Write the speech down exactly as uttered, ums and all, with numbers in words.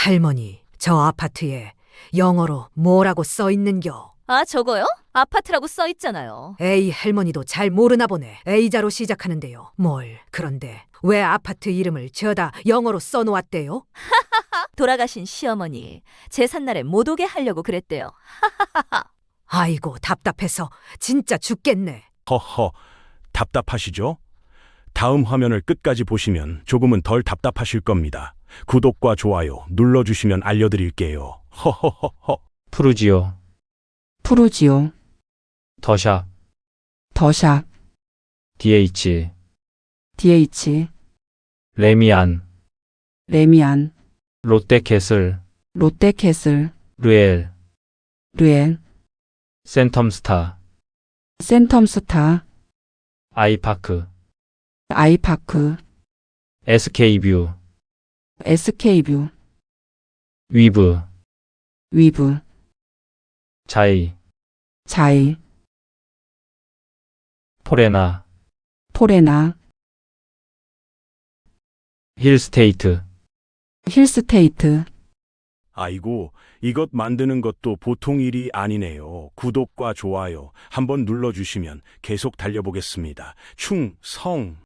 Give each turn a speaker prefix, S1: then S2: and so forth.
S1: 할머니, 저 아파트에 영어로 뭐라고 써 있는겨?
S2: 아, 저거요? 아파트라고 써 있잖아요.
S1: 에이, 할머니도 잘 모르나 보네. A자로 시작하는데요. 뭘, 그런데 왜 아파트 이름을 저다 영어로 써놓았대요?
S2: 돌아가신 시어머니 제삿날에 못 오게 하려고 그랬대요.
S1: 아이고, 답답해서 진짜 죽겠네.
S3: 허허, 답답하시죠? 다음 화면을 끝까지 보시면 조금은 덜 답답하실 겁니다. 구독과 좋아요 눌러주시면 알려드릴게요. 허허허허.
S4: 푸르지오,
S5: 푸르지오,
S4: 더샵,
S5: 더샵,
S4: 디에이치,
S5: 디에이치,
S4: 레미안,
S5: 레미안,
S4: 롯데캐슬,
S5: 롯데캐슬,
S4: 르엘,
S5: 르엔,
S4: 센텀스타,
S5: 센텀스타,
S4: 아이파크,
S5: 아이파크,
S4: 에스케이뷰,
S5: 에스케이뷰,
S4: 위브,
S5: 위브,
S4: 자이,
S5: 자이,
S4: 포레나,
S5: 포레나,
S4: 힐스테이트,
S5: 힐스테이트.
S3: 아이고, 이것 만드는 것도 보통 일이 아니네요. 구독과 좋아요 한번 눌러주시면 계속 달려보겠습니다. 충성!